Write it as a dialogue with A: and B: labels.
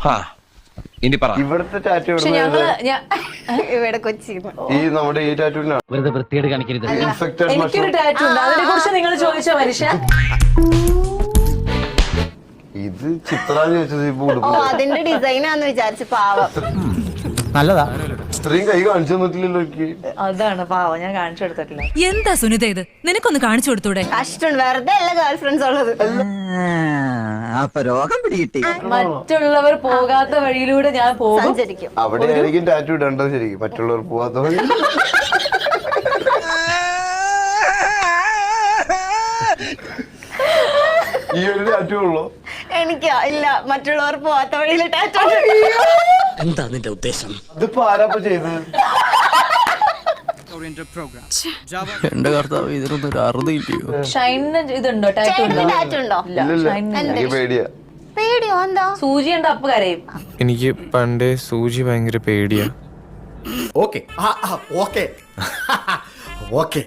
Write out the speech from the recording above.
A: ഇവിടുത്തെ ടാറ്റു
B: ഇവിടെ കൊച്ചി
A: ഈ നമ്മുടെ ഈ ടാറ്റുവിനാണ്.
C: എനിക്കൊരു ടാറ്റു ഉണ്ട്, അതിനെ കുറിച്ച് നിങ്ങൾ ചോദിച്ചോ മനുഷ്യ.
A: ഇത് ചിത്രാന്ന് ചോദിച്ചത് ഇപ്പൊ
B: അതിന്റെ ഡിസൈനാന്ന് വിചാരിച്ചു. പാവം
D: നല്ലതാ.
A: ഇത്രയും കൈ കാണിച്ചു തന്നിട്ടില്ലല്ലോ എനിക്ക്.
C: അതാണ് പാവം, ഞാൻ കാണിച്ചു കൊടുത്തിട്ടില്ല.
E: എന്താ സുനിത ഇത്, നിനക്കൊന്ന് കാണിച്ചു കൊടുത്തൂടെ?
B: കഷ്ടം, വെറുതെ അല്ല ഗേൾ ഫ്രണ്ട്സ് ഉള്ളത്.
D: അപ്പൊ രോഗം പിടികിട്ടി.
C: മറ്റുള്ളവർ പോകാത്ത വഴിയിലൂടെ ഞാൻ പോകും,
B: സഞ്ചരിക്കും.
A: അവിടെ ആയിരിക്കും ടാറ്റു ഇടേണ്ടത് ശരിക്കും, മറ്റുള്ളവർ പോവാത്ത വഴി. ഈ ഒരു ടാറ്റു ഉള്ളോ?
B: എനിക്ക് ഇല്ല, മറ്റുള്ളവർ പോവാത്ത വഴിയിലെ ടാറ്റു.
D: എന്താ നിന്റെ ഉദ്ദേശം?
A: ഇതിപ്പോ ആരാപ്പ ചെയ്തത്?
D: എന്റെ കർത്താവ്, ഇതിനൊന്നും ഒരു അറുതില്ലയോ?
C: ഷൈനിന് ഇതുണ്ടോ, ടാറ്റു ഉണ്ടോ?
B: ടാറ്റു ഉണ്ടോ?
A: ഇല്ലില്ല, എനിക്ക് പേടിയാ.
B: പേടിയോ? എന്താ?
C: സൂചി ഉണ്ട്, അപ്പ് കരയും.
F: എനിക്ക് പണ്ടേ സൂചി ഭയങ്കര പേടിയാ.
G: Okay okay okay